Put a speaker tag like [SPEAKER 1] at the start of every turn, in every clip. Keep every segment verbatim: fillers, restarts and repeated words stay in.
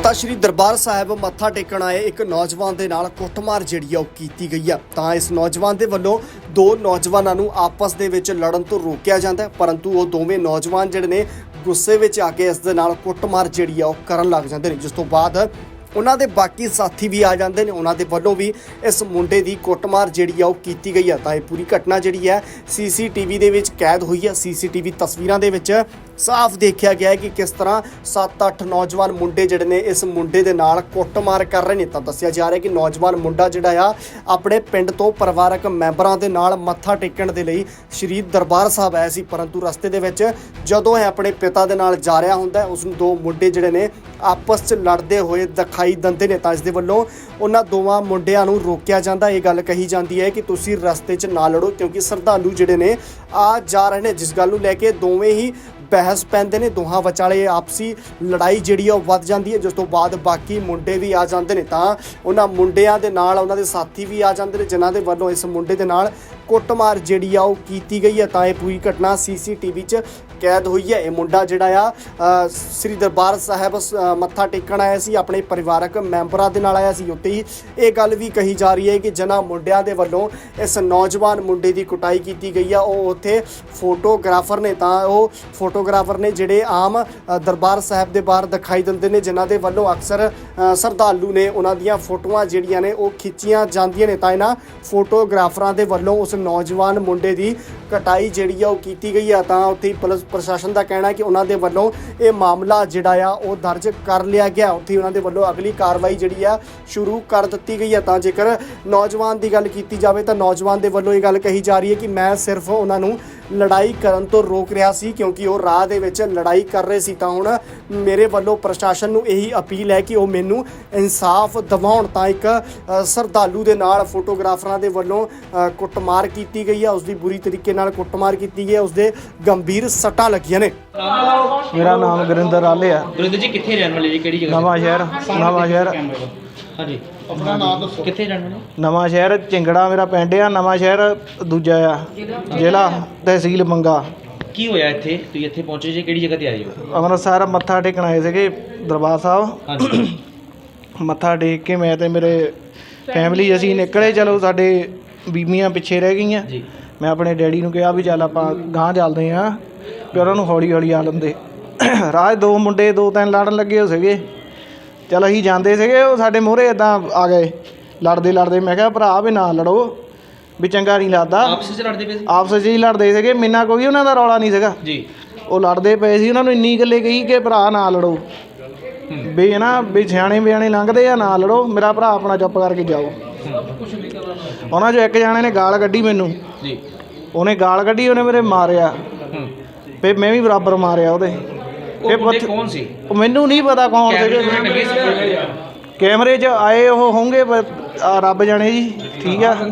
[SPEAKER 1] ਤਾਂ ਸ਼੍ਰੀ ਦਰਬਾਰ ਸਾਹਿਬ ਮੱਥਾ ਟੇਕਣ ਆਏ ਇੱਕ ਨੌਜਵਾਨ ਦੇ ਨਾਲ ਕੁੱਟਮਾਰ ਜਿਹੜੀ ਆ ਉਹ ਕੀਤੀ ਗਈ ਆ। ਤਾਂ ਇਸ ਨੌਜਵਾਨ ਦੇ ਵੱਲੋਂ ਦੋ ਨੌਜਵਾਨਾਂ ਨੂੰ ਆਪਸ ਦੇ ਵਿੱਚ ਲੜਨ ਤੋਂ ਰੋਕਿਆ ਜਾਂਦਾ ਹੈ, ਪਰੰਤੂ ਉਹ ਦੋਵੇਂ ਨੌਜਵਾਨ ਜਿਹੜੇ ਨੇ ਗੁੱਸੇ ਵਿੱਚ ਆ ਕੇ ਇਸ ਦੇ ਨਾਲ ਕੁੱਟਮਾਰ ਜਿਹੜੀ ਆ ਉਹ ਕਰਨ ਲੱਗ ਜਾਂਦੇ ਨੇ, ਜਿਸ ਤੋਂ ਬਾਅਦ ਉਹਨਾਂ ਦੇ ਬਾਕੀ ਸਾਥੀ ਵੀ ਆ ਜਾਂਦੇ ਨੇ। ਉਹਨਾਂ ਦੇ ਵੱਲੋਂ ਵੀ ਇਸ ਮੁੰਡੇ ਦੀ ਕੁੱਟਮਾਰ ਜਿਹੜੀ ਆ ਉਹ ਕੀਤੀ ਗਈ ਆ। ਤਾਂ ਇਹ ਪੂਰੀ ਘਟਨਾ ਜਿਹੜੀ ਹੈ ਸੀਸੀਟੀਵੀ ਦੇ ਵਿੱਚ ਕੈਦ ਹੋਈ ਹੈ। ਸੀਸੀਟੀਵੀ ਤਸਵੀਰਾਂ ਦੇ ਵਿੱਚ ਸਾਫ਼ ਦੇਖਿਆ ਗਿਆ ਹੈ ਕਿ ਕਿਸ ਤਰ੍ਹਾਂ ਸੱਤ ਅੱਠ ਨੌਜਵਾਨ ਮੁੰਡੇ ਜਿਹੜੇ ਨੇ ਇਸ ਮੁੰਡੇ ਦੇ ਨਾਲ ਕੁੱਟਮਾਰ ਕਰ ਰਹੇ ਨੇ। ਤਾਂ ਦੱਸਿਆ ਜਾ ਰਿਹਾ ਕਿ ਨੌਜਵਾਨ ਮੁੰਡਾ ਜਿਹੜਾ ਆ ਆਪਣੇ ਪਿੰਡ ਤੋਂ ਪਰਿਵਾਰਕ ਮੈਂਬਰਾਂ ਦੇ ਨਾਲ ਮੱਥਾ ਟੇਕਣ ਦੇ ਲਈ ਸ਼੍ਰੀ ਦਰਬਾਰ ਸਾਹਿਬ ਆਇਆ ਸੀ, ਪਰੰਤੂ ਰਸਤੇ ਦੇ ਵਿੱਚ ਜਦੋਂ ਇਹ ਆਪਣੇ ਪਿਤਾ ਦੇ ਨਾਲ ਜਾ ਰਿਹਾ ਹੁੰਦਾ ਉਸ ਨੂੰ ਦੋ ਮੁੰਡੇ ਜਿਹੜੇ ਨੇ ਆਪਸ 'ਚ ਲੜਦੇ ਹੋਏ ਦਿਖਾਈ ਦਿੰਦੇ ਨੇ। ਤਾਂ ਇਸ ਦੇ ਵੱਲੋਂ ਉਹਨਾਂ ਦੋਵਾਂ ਮੁੰਡਿਆਂ ਨੂੰ ਰੋਕਿਆ ਜਾਂਦਾ। ਇਹ ਗੱਲ ਕਹੀ ਜਾਂਦੀ ਹੈ ਕਿ ਤੁਸੀਂ ਰਸਤੇ 'ਚ ਨਾ ਲੜੋ, ਕਿਉਂਕਿ ਸ਼ਰਧਾਲੂ ਜਿਹੜੇ ਨੇ ਆ ਜਾ ਰਹੇ ਨੇ, ਜਿਸ ਗੱਲ ਨੂੰ ਲੈ ਕੇ ਦੋਵੇਂ ਹੀ ਬਹਿਸ ਪੈਂਦੇ ਨੇ। ਦੋਹਾਂ ਵਿਚਾਲੇ ਆਪਸੀ ਲੜਾਈ ਜਿਹੜੀ ਆ ਉਹ ਵੱਧ ਜਾਂਦੀ ਹੈ, ਜਿਸ ਤੋਂ ਬਾਅਦ ਬਾਕੀ ਮੁੰਡੇ ਵੀ ਆ ਜਾਂਦੇ ਨੇ। ਤਾਂ ਉਹਨਾਂ ਮੁੰਡਿਆਂ ਦੇ ਨਾਲ ਉਹਨਾਂ ਦੇ ਸਾਥੀ ਵੀ ਆ ਜਾਂਦੇ ਨੇ, ਜਿਨ੍ਹਾਂ ਦੇ ਵੱਲੋਂ ਇਸ ਮੁੰਡੇ ਦੇ ਨਾਲ ਕੁੱਟਮਾਰ ਜਿਹੜੀ ਆ ਉਹ ਕੀਤੀ ਗਈ ਹੈ। ਤਾਂ ਇਹ ਪੂਰੀ ਘਟਨਾ ਸੀਸੀਟੀਵੀ 'ਚ ਕੈਦ ਹੋਈ ਹੈ। ਇਹ ਮੁੰਡਾ ਜਿਹੜਾ ਆ ਸ੍ਰੀ ਦਰਬਾਰ ਸਾਹਿਬ ਮੱਥਾ ਟੇਕਣ ਆਇਆ ਸੀ, ਆਪਣੇ ਪਰਿਵਾਰਕ ਮੈਂਬਰਾਂ ਦੇ ਨਾਲ ਆਇਆ ਸੀ। ਉੱਤੇ ਹੀ ਇਹ ਗੱਲ ਵੀ ਕਹੀ ਜਾ ਰਹੀ ਹੈ ਕਿ ਜਿਨ੍ਹਾਂ ਮੁੰਡਿਆਂ ਦੇ ਵੱਲੋਂ ਇਸ ਨੌਜਵਾਨ ਮੁੰਡੇ ਦੀ ਕੁਟਾਈ ਕੀਤੀ ਗਈ ਆ ਉਹ ਉੱਥੇ ਫੋਟੋਗ੍ਰਾਫਰ ਨੇ। ਤਾਂ ਉਹ ਫੋਟੋਗ੍ਰਾਫਰ ਨੇ ਜਿਹੜੇ ਆਮ ਦਰਬਾਰ ਸਾਹਿਬ ਦੇ ਬਾਹਰ ਦਿਖਾਈ ਦਿੰਦੇ ਨੇ, ਜਿਨ੍ਹਾਂ ਦੇ ਵੱਲੋਂ ਅਕਸਰ ਸ਼ਰਧਾਲੂ ਨੇ ਉਹਨਾਂ ਦੀਆਂ ਫੋਟੋਆਂ ਜਿਹੜੀਆਂ ਨੇ ਉਹ ਖਿੱਚੀਆਂ ਜਾਂਦੀਆਂ ਨੇ। ਤਾਂ ਇਹਨਾਂ ਫੋਟੋਗ੍ਰਾਫਰਾਂ ਦੇ ਵੱਲੋਂ ਉਸ ਨੌਜਵਾਨ ਮੁੰਡੇ ਦੀ ਕਟਾਈ ਜਿਹੜੀ ਆ ਉਹ ਕੀਤੀ ਗਈ ਆ। ਤਾਂ ਉੱਥੇ ਪੁਲਿਸ ਪ੍ਰਸ਼ਾਸਨ ਦਾ ਕਹਿਣਾ ਹੈ ਕਿ ਉਹਨਾਂ ਦੇ ਵੱਲੋਂ ਇਹ ਮਾਮਲਾ ਜਿਹੜਾ ਆ ਉਹ ਦਰਜ ਕਰ ਲਿਆ ਗਿਆ। ਉੱਥੇ ਉਹਨਾਂ ਦੇ ਵੱਲੋਂ ਅਗਲੀ ਕਾਰਵਾਈ ਜਿਹੜੀ ਆ ਸ਼ੁਰੂ ਕਰ ਦਿੱਤੀ ਗਈ ਆ। ਤਾਂ ਜੇਕਰ ਨੌਜਵਾਨ ਦੀ ਗੱਲ ਕੀਤੀ ਜਾਵੇ ਤਾਂ ਨੌਜਵਾਨ ਦੇ ਵੱਲੋਂ ਇਹ ਗੱਲ ਕਹੀ ਜਾ ਰਹੀ ਹੈ ਕਿ ਮੈਂ ਸਿਰਫ ਉਹਨਾਂ ਨੂੰ ਲੜਾਈ ਕਰਨ ਤੋਂ ਰੋਕ ਰਿਹਾ ਸੀ, ਕਿਉਂਕਿ ਉਹ ਰਾਹ ਦੇ ਵਿੱਚ ਲੜਾਈ ਕਰ ਰਹੇ ਸੀ। ਤਾਂ ਹੁਣ ਮੇਰੇ ਵੱਲੋਂ ਪ੍ਰਸ਼ਾਸਨ ਨੂੰ ਇਹੀ ਅਪੀਲ ਹੈ ਕਿ ਉਹ ਮੈਨੂੰ ਇਨਸਾਫ ਦਿਵਾਉਣ। ਤਾਂ ਇੱਕ ਸ਼ਰਧਾਲੂ ਦੇ ਨਾਲ ਫੋਟੋਗ੍ਰਾਫਰਾਂ ਦੇ ਵੱਲੋਂ ਕੁੱਟਮਾਰ ਕੀਤੀ ਗਈ ਹੈ, ਉਸ ਦੀ ਬੁਰੀ ਤਰੀਕੇ ਨਾਲ ਕੁੱਟਮਾਰ ਕੀਤੀ ਗਈ ਹੈ, ਉਸ ਦੇ ਗੰਭੀਰ ਸੱਟਾਂ ਲੱਗੀਆਂ ਨੇ।
[SPEAKER 2] ਮੇਰਾ ਨਾਮ ਗੁਰਿੰਦਰ ਆਲੇ ਆ।
[SPEAKER 3] ਗੁਰਿੰਦਰ ਜੀ ਕਿੱਥੇ ਰਹਿਣ ਵਾਲੇ ਜੀ, ਕਿਹੜੀ ਜਗ੍ਹਾ?
[SPEAKER 2] ਨਵਾਂ ਸ਼ਹਿਰ ਨਵਾਂ ਸ਼ਹਿਰ
[SPEAKER 3] ਹਾਂਜੀ, ਆਪਣਾ ਨਾਮ ਦੱਸੋ, ਕਿੱਥੇ ਰਹਿਣ ਵਾਲੇ?
[SPEAKER 2] ਨਵਾਂ ਸ਼ਹਿਰ ਚਿੰਗੜਾ ਮੇਰਾ ਪਿੰਡ ਆ। ਨਵਾਂ ਸ਼ਹਿਰ ਦੂਜਾ ਆ ਜ਼ਿਲ੍ਹਾ ਤਹਿਸੀਲ ਮੰਗਾ।
[SPEAKER 3] ਕੀ ਹੋਇਆ ਇੱਥੇ, ਤੁਸੀਂ ਇੱਥੇ ਪਹੁੰਚੇ ਜੀ, ਕਿਹੜੀ ਜਗ੍ਹਾ ਤੇ ਆਏ ਹੋ?
[SPEAKER 2] ਅੰਮ੍ਰਿਤਸਰ ਮੱਥਾ ਟੇਕਣ ਆਏ ਸੀਗੇ ਦਰਬਾਰ ਸਾਹਿਬ।
[SPEAKER 3] ਹਾਂਜੀ।
[SPEAKER 2] ਮੱਥਾ ਟੇਕ ਕੇ ਮੈਂ ਤੇ ਮੇਰੇ ਫੈਮਿਲੀ ਅਸੀਂ ਨਿਕਲੇ। ਚਲੋ ਸਾਡੇ ਬੀਬੀਆਂ ਪਿੱਛੇ ਰਹਿ ਗਈਆਂ।
[SPEAKER 3] ਜੀ।
[SPEAKER 2] ਮੈਂ ਆਪਣੇ ਡੈਡੀ ਨੂੰ ਕਿਹਾ ਵੀ ਚੱਲ ਆਪਾਂ ਗਾਂਹ ਚੱਲਦੇ ਹਾਂ, ਵੀ ਉਹਨਾਂ ਨੂੰ ਹੌਲੀ ਹੌਲੀ ਆ ਲੈਂਦੇ। ਰਾਹ ਦੋ ਮੁੰਡੇ ਦੋ ਤਿੰਨ ਲੜਨ ਲੱਗੇ ਹੋ ਸੀਗੇ। ਚੱਲ ਅਸੀਂ ਜਾਂਦੇ ਸੀਗੇ, ਉਹ ਸਾਡੇ ਮੂਹਰੇ ਇੱਦਾਂ ਆ ਗਏ ਲੜਦੇ ਲੜਦੇ। ਮੈਂ ਕਿਹਾ ਭਰਾ ਵੀ ਨਾ ਲੜੋ, ਵੀ ਚੰਗਾ ਨਹੀਂ ਲੱਗਦਾ।
[SPEAKER 3] ਆਪਸ ਵਿੱਚ ਲੜਦੇ ਪਏ ਸੀ?
[SPEAKER 2] ਆਪਸ ਵਿੱਚ ਹੀ ਲੜਦੇ ਸੀਗੇ, ਮੈਨਾਂ ਕੋਈ ਉਹਨਾਂ ਦਾ ਰੌਲਾ ਨਹੀਂ ਸੀਗਾ
[SPEAKER 3] ਜੀ।
[SPEAKER 2] ਉਹ ਲੜਦੇ ਪਏ ਸੀ। ਉਹਨਾਂ ਨੂੰ ਇੰਨੀ ਗੱਲੇ ਕਹੀ ਕਿ ਭਰਾ ਨਾ ਲੜੋ, ਵੀ ਹੈ ਨਾ ਵੀ ਸਿਆਣੇ ਬਿਆਣੇ ਲੰਘਦੇ ਆ, ਨਾ ਲੜੋ, ਮੇਰਾ ਭਰਾ ਆਪਣਾ ਚੁੱਪ ਕਰਕੇ ਜਾਓ। ਉਹਨਾਂ 'ਚੋਂ ਇੱਕ ਜਾਣੇ ਨੇ ਗਾਲ ਕੱਢੀ ਮੈਨੂੰ।
[SPEAKER 3] ਜੀ।
[SPEAKER 2] ਉਹਨੇ ਗਾਲ ਕੱਢੀ, ਉਹਨੇ ਮੇਰੇ ਮਾਰਿਆ, ਫਿਰ ਮੈਂ ਵੀ ਬਰਾਬਰ ਮਾਰਿਆ ਉਹਦੇ।
[SPEAKER 3] ਉਹ ਮੁੰਡੇ ਕੌਣ ਸੀ? ਉਹ
[SPEAKER 2] ਮੈਨੂੰ ਨਹੀਂ ਪਤਾ ਕੌਣ ਸੀਗੇ। ਕੈਮਰੇ 'ਚ ਆਏ ਉਹ ਹੋਣਗੇ, ਰੱਬ ਜਾਣੇ ਜੀ। ਠੀਕ ਆ,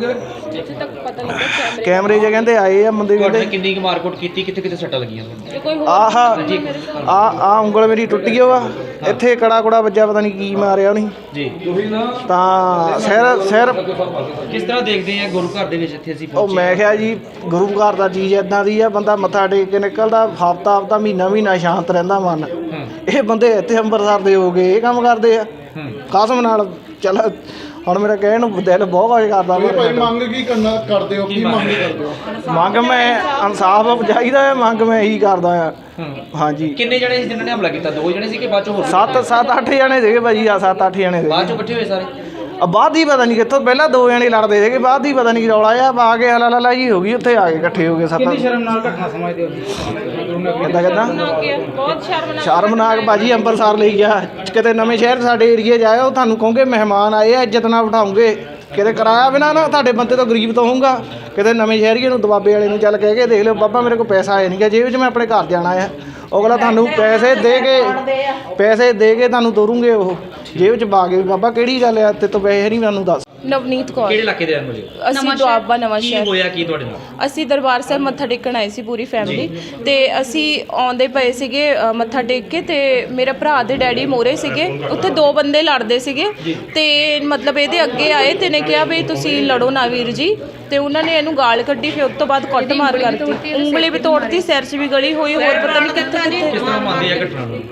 [SPEAKER 2] ਕੈਮਰੇ 'ਚ ਕਹਿੰਦੇ ਆਏ ਆ ਬੰਦੇ। ਕਹਿੰਦੇ
[SPEAKER 3] ਕਿੰਨੀ ਕੁ ਮਾਰਕੁੱਟ ਕੀਤੀ, ਕਿੱਥੇ ਕਿੱਥੇ ਸੱਟਾਂ ਲੱਗੀਆਂ?
[SPEAKER 2] ਆਹ ਆ ਆ ਉਂਗਲ ਮੇਰੀ ਟੁੱਟ ਗਈ ਵਾ, ਇੱਥੇ ਕੜਾ ਕੁੜਾ ਵੱਜਾ, ਪਤਾ ਨਹੀਂ ਕੀ ਮਾਰਿਆ ਉਹਨੇ ਜੀ। ਤਾਂ ਸਿਰ ਸਿਰ
[SPEAKER 3] ਕਿਸ ਤਰ੍ਹਾਂ ਦੇਖਦੇ ਆ ਗੁਰੂ ਘਰ ਦੇ ਵਿੱਚ ਇੱਥੇ ਅਸੀਂ
[SPEAKER 2] ਉਹ ਮੈਂ ਕਿਹਾ ਜੀ ਗੁਰੂ ਘਰ ਦਾ ਚੀਜ਼ ਇੱਦਾਂ ਦੀ ਆ, ਬੰਦਾ ਮੱਥਾ ਟੇਕ ਕੇ ਨਿਕਲਦਾ, ਹਫ਼ਤਾ ਹਫ਼ਤਾ ਮਹੀਨਾ ਮਹੀਨਾ ਸ਼ਾਂਤ ਰਹਿੰਦਾ ਮਨ। ਇਹ ਬੰਦੇ ਇੱਥੇ ਅੰਮ੍ਰਿਤਸਰ ਦੇ ਹੋ ਗਏ, ਇਹ ਕੰਮ ਕਰਦੇ ਆ ਕਸਮ ਨਾਲ। ਚੱਲ ਹੁਣ ਮੇਰਾ ਕਹਿਣ ਨੂੰ ਦਿਲ ਬਹੁਤ ਕੁਝ ਕਰਦਾ।
[SPEAKER 4] ਮੰਗ ਕੀ ਕਰਨਾ ਕਰਦੇ ਹੋ, ਕੀ ਮੰਗ ਕਰਦੇ ਹੋ?
[SPEAKER 2] ਮੰਗ ਮੈਂ ਇਨਸਾਫ ਚਾਹੀਦਾ ਹੈ, ਮੰਗ ਮੈਂ ਇਹੀ ਕਰਦਾ ਆ। ਹਾਂਜੀ।
[SPEAKER 3] ਕਿੰਨੇ ਜਣੇ ਸੀ ਜਿਨ੍ਹਾਂ ਨੇ ਹਮਲਾ ਕੀਤਾ? ਦੋ ਜਣੇ ਸੀ ਕਿ ਬਾਅਦ ਚੋਂ ਹੋਰ?
[SPEAKER 2] ਸੱਤ ਸੱਤ ਅੱਠ ਜਣੇ ਸੀਗੇ ਭਾਜੀ। ਆ ਸੱਤ ਅੱਠ ਜਣੇ ਸੀਗੇ।
[SPEAKER 3] ਬਾਅਦ ਚੋਂ ਇਕੱਠੇ ਹੋਏ ਸਾਰੇ?
[SPEAKER 2] ਬਾਅਦ ਹੀ ਪਤਾ ਨਹੀਂ ਕਿੱਥੋਂ, ਪਹਿਲਾਂ ਦੋ ਜਣੇ ਲੜਦੇ ਸੀਗੇ, ਬਾਅਦ ਹੀ ਪਤਾ ਨਹੀਂ ਕੀ ਰੌਲਾ ਆ, ਆ ਕੇ ਹਲਾ ਲਾ ਜੀ ਹੋ ਗਈ, ਉੱਥੇ ਆ ਕੇ ਇਕੱਠੇ ਹੋ ਗਏ ਸੱਤ। ਕਿੰਨੀ ਸ਼ਰਮਨਾਕ ਘਟਨਾ ਸਮਝਦੇ ਹੋ? ਕਿੱਦਾਂ ਕਿੱਦਾਂ ਬਹੁਤ ਸ਼ਰਮਨਾਕ ਸ਼ਰਮਨਾਕ ਭਾਜੀ। ਅੰਮ੍ਰਿਤਸਰ ਲਈ ਗਿਆ, ਕਿਤੇ ਨਵੇਂ ਸ਼ਹਿਰ ਸਾਡੇ ਏਰੀਏ 'ਚ ਆਏ, ਉਹ ਤੁਹਾਨੂੰ ਕਹੋਗੇ ਮਹਿਮਾਨ ਆਏ ਆ, ਇੱਜ਼ਤ ਨਾਲ ਬਿਠਾਉਂਗੇ, ਕਿਤੇ ਕਿਰਾਇਆ ਬਿਨਾਂ ਨਾ ਤੁਹਾਡੇ ਬੰਦੇ ਤੋਂ ਗਰੀਬ ਤੋਂ ਹੋਊਗਾ। ਕਿਤੇ ਨਵੇਂ ਸ਼ਹਿਰੀਏ ਨੂੰ ਦਬਾਬੇ ਵਾਲੇ ਨੂੰ ਚੱਲ ਕਹਿ ਕੇ ਦੇਖ ਲਿਓ, ਬਾਬਾ ਮੇਰੇ ਕੋਲ ਪੈਸਾ ਆਇਆ ਨਹੀਂ ਗਾ ਜੇਬ 'ਚ, ਮੈਂ ਆਪਣੇ ਘਰ ਜਾਣਾ ਆ। ਅਗਲਾ ਤੁਹਾਨੂੰ ਪੈਸੇ ਦੇ ਕੇ ਪੈਸੇ ਦੇ ਕੇ ਤੁਹਾਨੂੰ ਤੋਰੂਗੇ, ਉਹ ਜੇਬ 'ਚ ਪਾ ਕੇ। ਬਾਬਾ ਕਿਹੜੀ ਗੱਲ ਆ, ਤੇ ਤੋਂ ਪੈਸੇ ਨਹੀਂ ਮੈਨੂੰ ਦੱਸ।
[SPEAKER 5] ਨਵਨੀਤ ਕੌਰ।
[SPEAKER 3] ਕਿਹੜੇ ਇਲਾਕੇ ਦੇ ਰਹਿਣ ਵਾਲੇ?
[SPEAKER 5] ਅਸੀਂ ਦੁਆਬਾ ਨਵਾਂ ਸ਼ਹਿਰ।
[SPEAKER 3] ਕੀ ਹੋਇਆ ਕੀ ਤੁਹਾਡੇ ਨਾਲ?
[SPEAKER 5] ਅਸੀਂ ਦਰਬਾਰ ਸਾਹਿਬ ਮੱਥਾ ਟੇਕਣ ਆਏ ਸੀ ਪੂਰੀ ਫੈਮਿਲੀ, ਤੇ ਅਸੀਂ ਆਉਂਦੇ ਪਏ ਸੀਗੇ ਮੱਥਾ ਟੇਕ ਕੇ, ਤੇ ਮੇਰੇ ਭਰਾ ਦੇ ਡੈਡੀ ਮੋਰੇ ਸੀਗੇ, ਉੱਥੇ ਦੋ ਬੰਦੇ ਲੜਦੇ ਸੀਗੇ, ਤੇ ਮਤਲਬ ਇਹਦੇ ਅੱਗੇ ਆਏ ਤੇ ਨੇ ਕਿਹਾ ਵੀ ਤੁਸੀਂ ਲੜੋ ਨਾ ਵੀਰ ਜੀ, ਤੇ ਉਹਨਾਂ ਨੇ ਇਹਨੂੰ ਗਾਲ ਕੱਢੀ। ਫਿਰ ਉਸ ਤੋਂ ਬਾਅਦ ਕੁੱਟ ਮਾਰ ਕਰਤੀ, ਉਂਗਲੀ ਵੀ ਤੋੜਤੀ, ਸਿਰ 'ਚ ਵੀ ਗਲੀ ਹੋਈ, ਹੋਰ ਪਤਾ ਨਹੀਂ ਕਿੱਥੇ ਕਿੱਥੇ।
[SPEAKER 3] ਕਿਸ ਤਰ੍ਹਾਂ ਮੰਨਦੇ ਆ ਘਟਨਾ ਨੂੰ?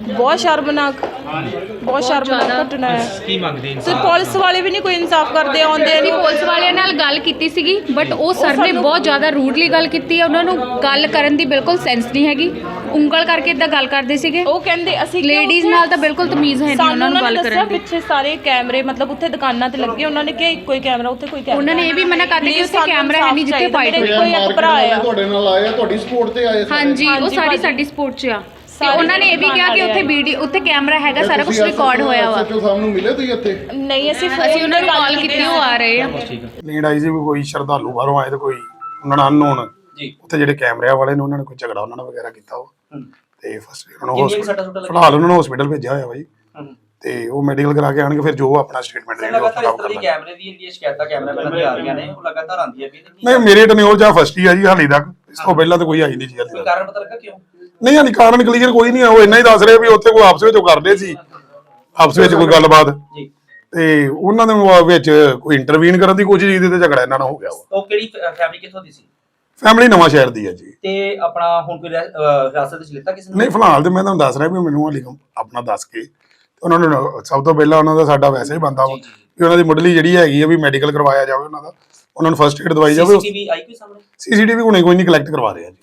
[SPEAKER 5] ਬਹੁਤ ਸ਼ਰਮਨਾਕ ਬਹੁਤ ਸ਼ਰਮਨਾਕ ਘਟਨਾ ਹੈ।
[SPEAKER 3] ਕੀ ਮੰਗਦੇ
[SPEAKER 5] ਤੇ
[SPEAKER 3] ਇਨਸਾਨ?
[SPEAKER 5] ਪੁਲਿਸ ਵਾਲੇ ਵੀ ਨਹੀਂ ਕੋਈ ਇਨਸਾਫ ਕਰਦੇ ਆਉਂਦੇ
[SPEAKER 6] ਅਸੀਂ
[SPEAKER 5] ਨੂੰ।
[SPEAKER 6] ਪੁਲਿਸ ਵਾਲਿਆਂ ਨਾਲ ਗੱਲ ਕੀਤੀ ਸੀਗੀ ਬਟ ਉਹ ਸਰ ਨੇ ਬਹੁਤ ਜ਼ਿਆਦਾ ਰੂਡਲੀ ਗੱਲ ਕੀਤੀ ਹੈ। ਉਹਨਾਂ ਨੂੰ ਗੱਲ ਕਰਨ ਦੀ ਬਿਲਕੁਲ ਸੈਂਸ ਨਹੀਂ ਹੈਗੀ, ਉਂਗਲ ਕਰਕੇ ਇਦਾਂ ਗੱਲ ਕਰਦੇ ਸੀਗੇ।
[SPEAKER 5] ਉਹ ਕਹਿੰਦੇ ਅਸੀਂ ਕਿਉਂ
[SPEAKER 6] ਲੇਡੀਜ਼
[SPEAKER 5] ਉੱਥੇ-
[SPEAKER 6] ਨਾਲ ਤਾਂ ਬਿਲਕੁਲ ਤਮੀਜ਼ ਹੈ ਨਹੀਂ
[SPEAKER 5] ਸਾਨੂੰ
[SPEAKER 6] ਉਹਨਾਂ ਨੂੰ ਗੱਲ
[SPEAKER 5] ਨੇ ਦੱਸਿਆ
[SPEAKER 6] ਕਰਨ ਦੀ।
[SPEAKER 5] ਪਿੱਛੇ ਸਾਰੇ ਕੈਮਰੇ ਮਤਲਬ ਉੱਥੇ ਦੁਕਾਨਾਂ ਤੇ ਲੱਗੇ, ਉਹਨਾਂ ਨੇ ਕਿਹਾ ਇੱਕੋ ਹੀ ਕੈਮਰਾ ਉੱਥੇ ਕੋਈ ਕੈਮਰਾ।
[SPEAKER 6] ਉਹਨਾਂ ਨੇ ਇਹ ਵੀ ਮਨਾ ਕਰਤਾ ਕਿ ਉੱਥੇ
[SPEAKER 5] ਸਾਨੂੰ
[SPEAKER 6] ਕੈਮਰਾ ਹੈ ਨਹੀਂ ਜਿੱਥੇ
[SPEAKER 5] ਚਾਹੀਦਾ।
[SPEAKER 6] fight
[SPEAKER 5] ਮੇਰੇ
[SPEAKER 6] ਹੋਈ।
[SPEAKER 5] ਕੋਈ ਇੱਕ ਭਰਾ ਆ
[SPEAKER 4] ਤੁਹਾਡੇ ਨਾਲ ਆਏ ਆ, ਤੁਹਾਡੀ ਸਪੋਰਟ ਤੇ ਆਏ ਸਾਰੇ।
[SPEAKER 6] ਹਾਂਜੀ ਉਹ
[SPEAKER 5] ਹਾਂਜੀ
[SPEAKER 6] ਸਾਰੀ
[SPEAKER 5] ਭਾਜੀ।
[SPEAKER 6] ਸਾਡੀ ਸਪੋਰਟ 'ਚ ਆ ਤੇ
[SPEAKER 5] ਸਾਰੇ
[SPEAKER 6] ਉਹਨਾਂ ਨੇ ਇਹ ਵੀ ਕਿਹਾ ਕਿ ਉੱਥੇ ਵੀਡੀਓ ਉੱਥੇ ਕੈਮਰਾ ਹੈਗਾ, ਸਾਰਾ ਕੁਝ ਰਿਕਾਰਡ ਹੋਇਆ ਵਾ।
[SPEAKER 4] ਐਸਐਚਓ ਸਾਹਿਬ ਨੂੰ ਮਿਲੇ ਤੁਸੀਂ ਇੱਥੇ?
[SPEAKER 5] ਨਹੀਂ ਅਸੀਂ
[SPEAKER 6] ਅਸੀਂ ਉਹਨਾਂ ਨੂੰ ਕਾਲ ਕੀਤੀ, ਉਹ ਆ ਰਹੇ ਆ।
[SPEAKER 3] ਠੀਕ ਹੈ
[SPEAKER 7] ਨੀਡ ਆਈ ਸੀ ਵੀ ਕੋਈ ਸ਼ਰਧਾਲੂ ਬਾਹਰੋਂ ਆਏ ਤੇ ਕੋਈ ਉਹਨਾਂ ਨਾਲ ਅਨਨੋਨ
[SPEAKER 3] ਜੀ।
[SPEAKER 7] ਉੱਥੇ ਜਿਹੜੇ ਕੈਮਰਿਆਂ ਵਾਲੇ ਨੇ ਉਹਨਾਂ ਨੇ ਕੋਈ ਝਗੜਾ ਉਹਨਾਂ ਨਾਲ ਵਗੈਰਾ ਕੀਤਾ ਉਹ ਤੇ ਫਸਟ ਉਹਨਾਂ ਨੂੰ
[SPEAKER 3] ਕਿੰਨੀਆਂ ਸੱਟਾਂ ਸੁੱਟਾਂ
[SPEAKER 7] hospital- ਫਿਲਹਾਲ ਉਹਨਾਂ ਨੂੰ ਹਸਪੀਟਲ ਭੇਜਿਆ ਹੋਇਆ ਬਾਈ ਤੇ ਉਹ ਮੈਡੀਕਲ ਕਰਾ ਕੇ ਆਣਗੇ ਫਿਰ ਜੋ ਆਪਣਾ ਸਟੇਟਮੈਂਟ ਦੇਣਗੇ ਉਹ
[SPEAKER 3] ਲਗਾਤਾਰ ਇਸ
[SPEAKER 7] ਖਰਾਬ
[SPEAKER 3] ਤਰ੍ਹਾਂ ਦੀ
[SPEAKER 7] ਕਰਨਾ।
[SPEAKER 3] ਕੈਮਰੇ ਦੀ ਜਿਹੜੀਆਂ ਸ਼ਿਕਾਇਤਾਂ ਕੈਮਰਾਮੈਨਾਂ ਦੀ ਆ ਰਹੀਆਂ ਨੇ ਉਹ ਲਗਾਤਾਰ ਆਉਂਦੀਆਂ ਵੀ ਨੇ।
[SPEAKER 7] ਨਹੀਂ ਮੇਰੇ ਟਨਿਓਰ ਜਾਂ ਫਸਟ ਹੀ ਆ ਜੀ ਹਾਲੇ ਤੱਕ, ਇਸ ਤੋਂ ਪਹਿਲਾਂ ਤਾਂ ਕੋਈ ਆਈ ਨਹੀਂ ਜੀ ਹਾਲੇ
[SPEAKER 3] ਕੋਈ
[SPEAKER 7] ਤੱਕ।
[SPEAKER 3] ਕਾਰਨ ਪਤਾ ਲੱਗਾ ਕਿਉਂ?
[SPEAKER 7] ਨਹੀਂ ਹਾਲੇ ਕਾਰਨ ਕਲੀਅਰ ਕੋਈ ਨਹੀਂ ਆ, ਉਹ ਇੰਨਾ ਹੀ ਦੱਸ ਰਹੇ ਵੀ ਉੱਥੇ ਕੋਈ ਆਪਸ ਵਿੱਚ ਉਹ ਕਰਦੇ ਸੀ, ਆਪਸ ਵਿੱਚ ਕੋਈ ਗੱਲਬਾਤ
[SPEAKER 3] ਜੀ।
[SPEAKER 7] ਤੇ ਉਹਨਾਂ ਦੇ ਵਿੱਚ ਕੋਈ ਇੰਟਰਵੀਨ ਕਰਨ ਦੀ ਕੋਸ਼ਿਸ਼ ਕੀਤੀ ਤੇ ਝਗੜਾ ਇਹਨਾਂ ਨਾਲ ਹੋ ਗਿਆ ਵਾ।
[SPEAKER 3] ਉਹ ਕਿਹੜੀ ਫੈਮਿਲੀ ਕਿੱਥੋਂ ਦੀ ਸੀ?
[SPEAKER 7] ਫੈਮਿਲੀ ਨਵਾਂ ਸ਼ਹਿਰ ਦੀ ਹੈ ਜੀ।
[SPEAKER 3] ਤੇ ਆਪਣਾ ਹੁਣ ਕੋਈ ਰਹਿ- ਅਹ ਹਿਰਾਸਤ ਵਿੱਚ ਲਿੱਤਾ ਕਿਸੇ ਨੇ?
[SPEAKER 7] ਨਹੀਂ ਫਿਲਹਾਲ ਤੇ ਮੈਂ ਤੁਹਾਨੂੰ ਦੱਸ ਰਿਹਾ ਵੀ ਮੈਨੂੰ ਹਾਲੇ ਆਪਣਾ ਦੱਸ ਕੇ ਤੇ ਉਹਨਾਂ ਨੂੰ ਸਭ ਤੋਂ ਪਹਿਲਾਂ ਉਹਨਾਂ ਦਾ ਸਾਡਾ ਵੈਸੇ ਹੀ ਬੰਦਾ ਵਾ ਕਿ ਉਹਨਾਂ ਦੀ ਮੁੱਢਲੀ ਜਿਹੜੀ ਹੈਗੀ ਆ ਵੀ ਮੈਡੀਕਲ ਕਰਵਾਇਆ ਜਾਵੇ ਉਹਨਾਂ ਦਾ, ਉਹਨਾਂ ਨੂੰ ਫਸਟ ਏਡ ਦਵਾਈ ਜਾਵੇ।
[SPEAKER 3] ਸੀਸੀਟੀਵੀ ਆਈ ਕੋਈ ਸਾਹਮਣੇ?
[SPEAKER 7] ਸੀਸੀਟੀਵੀ ਹੁਣੇ ਕੋਈ ਨਹੀਂ ਕਲੈਕਟ ਕਰਵਾ ਰਿਹਾ ਜੀ।